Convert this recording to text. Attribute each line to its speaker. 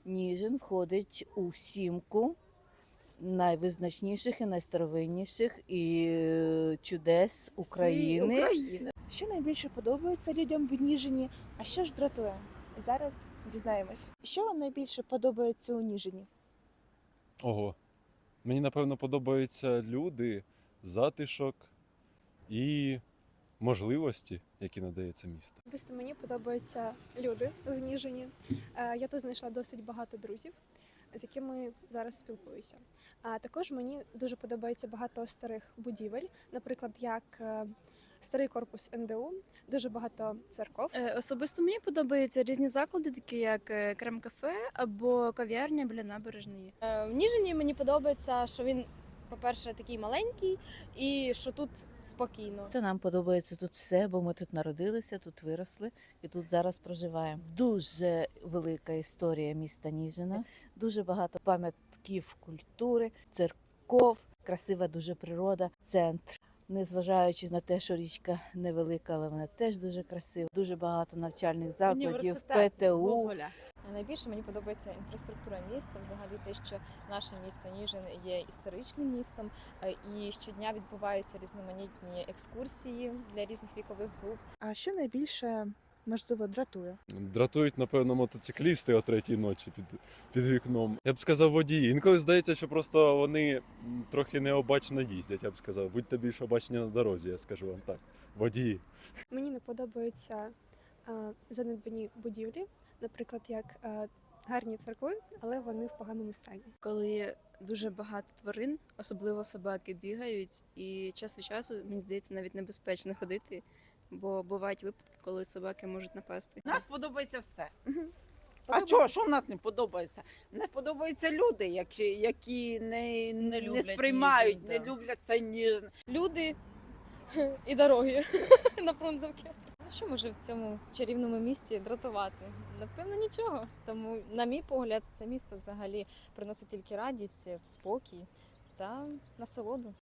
Speaker 1: Ніжин входить у сімку найвизначніших і найстаровинніших чудес України.
Speaker 2: Що найбільше подобається людям в Ніжині, а що ж дратує? Зараз дізнаємось. Що вам найбільше подобається у Ніжині?
Speaker 3: Ого. Мені, напевно, подобаються люди, затишок і можливості, які надає це місто.
Speaker 4: Особисто мені подобаються люди в Ніжині. Я тут знайшла досить багато друзів, з якими зараз спілкуюся. А також мені дуже подобається багато старих будівель, наприклад, як старий корпус НДУ, дуже багато церков.
Speaker 5: Особисто мені подобаються різні заклади, такі як крем-кафе або кав'ярня біля набережної.
Speaker 6: В Ніжині мені подобається, що він, по-перше, такий маленький і що тут спокійно.
Speaker 1: Та нам подобається тут все, бо ми тут народилися, тут виросли і тут зараз проживаємо. Дуже велика історія міста Ніжина, дуже багато пам'ятків культури, церков, красива дуже природа, центр. Незважаючи на те, що річка невелика, але вона теж дуже красива. Дуже багато навчальних закладів, ПТУ.
Speaker 7: Найбільше мені подобається інфраструктура міста, взагалі те, що наше місто Ніжин є історичним містом, і щодня відбуваються різноманітні екскурсії для різних вікових груп.
Speaker 2: А що найбільше, можливо, дратує?
Speaker 3: Дратують, напевно, мотоциклісти о 3-й ночі під вікном. Я б сказав, водії. Інколи здається, що просто вони трохи необачно їздять, я б сказав. Будьте більш обачні на дорозі, я скажу вам так. Водії.
Speaker 4: Мені не подобаються занедбані будівлі, наприклад, як гарні церкви, але вони в поганому стані.
Speaker 5: Коли дуже багато тварин, особливо собаки, бігають, і час від часу, мені здається, навіть небезпечно ходити, бо бувають випадки, коли собаки можуть напасти.
Speaker 8: Нас подобається все. А що в нас не подобається? Не подобаються люди, які не сприймають,
Speaker 5: Ніжин,
Speaker 8: не
Speaker 5: да.
Speaker 8: люблять цей Ніжин.
Speaker 6: Люди і дороги на Фрунзенки.
Speaker 7: Ну що може в цьому чарівному місті дратувати? Напевно, нічого. Тому, на мій погляд, це місто взагалі приносить тільки радість, спокій та насолоду.